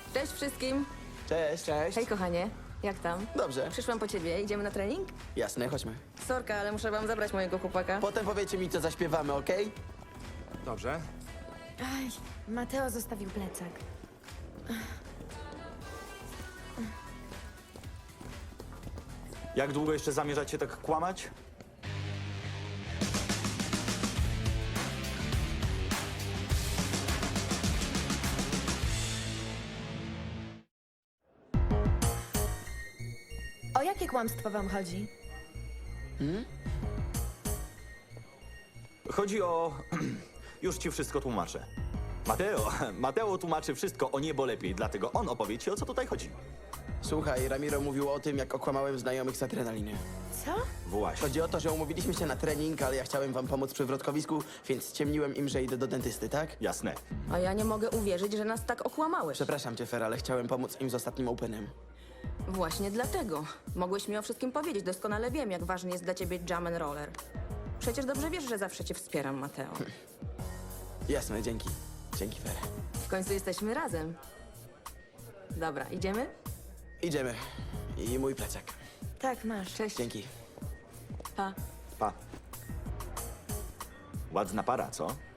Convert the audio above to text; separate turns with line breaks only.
Cześć wszystkim.
Cześć. Cześć.
Hej kochanie, jak tam?
Dobrze.
Przyszłam po ciebie, idziemy na trening?
Jasne, chodźmy.
Sorka, ale muszę wam zabrać mojego chłopaka.
Potem powiecie mi, co zaśpiewamy, okej?
Dobrze.
Aj, Mateo zostawił plecak.
Jak długo jeszcze zamierzacie tak kłamać?
O jakie kłamstwo wam chodzi?
Chodzi o... Już ci wszystko tłumaczę. Mateo tłumaczy wszystko o niebo lepiej, dlatego on opowie ci, o co tutaj chodzi.
Słuchaj, Ramiro mówił o tym, jak okłamałem znajomych z adrenaliny.
Co?
Właśnie.
Chodzi o to, że umówiliśmy się na trening, ale ja chciałem wam pomóc przy wrotkowisku, więc ściemniłem im, że idę do dentysty, tak?
Jasne.
A ja nie mogę uwierzyć, że nas tak okłamałeś.
Przepraszam cię, Fer, ale chciałem pomóc im z ostatnim openem.
Właśnie dlatego. Mogłeś mi o wszystkim powiedzieć. Doskonale wiem, jak ważny jest dla ciebie jam and roller. Przecież dobrze wiesz, że zawsze cię wspieram, Mateo.
Jasne, dzięki. Dzięki, Fer.
W końcu jesteśmy razem. Dobra, idziemy?
Idziemy. I mój plecak.
Tak, masz.
Cześć.
Dzięki.
Pa.
Pa. Ładna para, co?